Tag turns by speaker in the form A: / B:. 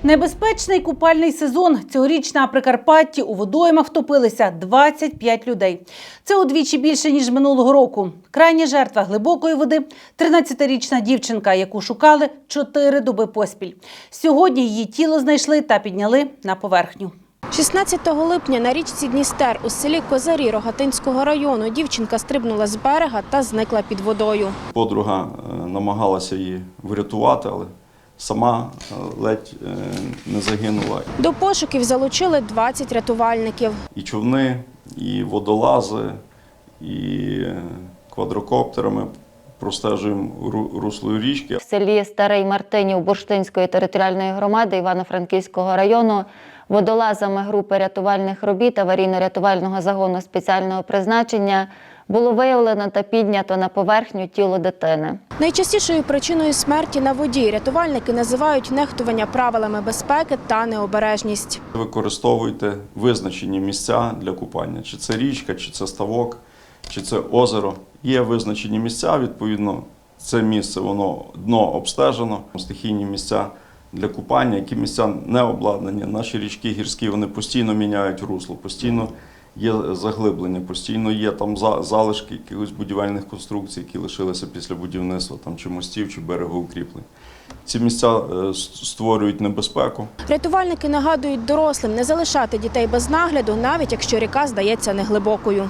A: Небезпечний купальний сезон. Цьогоріч на Прикарпатті у водоймах втопилися 25 людей. Це удвічі більше, ніж минулого року. Крайня жертва глибокої води – 13-річна дівчинка, яку шукали 4 доби поспіль. Сьогодні її тіло знайшли та підняли на поверхню.
B: 16 липня на річці Дністер у селі Козарі Рогатинського району дівчинка стрибнула з берега та зникла під водою.
C: Подруга намагалася її врятувати, але сама ледь не загинула.
B: До пошуків залучили 20 рятувальників.
C: І човни, і водолази, і квадрокоптерами простежуємо русло річки.
D: В селі Старий Мартинів Бурштинської територіальної громади Івано-Франківського району водолазами групи рятувальних робіт аварійно-рятувального загону спеціального призначення було виявлено та піднято на поверхню тіло дитини.
B: Найчастішою причиною смерті на воді рятувальники називають нехтування правилами безпеки та необережність.
C: Використовуйте визначені місця для купання. Чи це річка, чи це ставок, чи це озеро. Є визначені місця, відповідно, це місце, воно дно обстежено. Стихійні місця для купання, які місця не обладнані. Наші річки гірські, вони постійно міняють русло, постійно є заглиблення, постійно є там залишки якихось будівельних конструкцій, які лишилися після будівництва там, чи мостів, чи берегоукріплень. Ці місця створюють небезпеку.
B: Рятувальники нагадують дорослим не залишати дітей без нагляду, навіть якщо ріка здається неглибокою.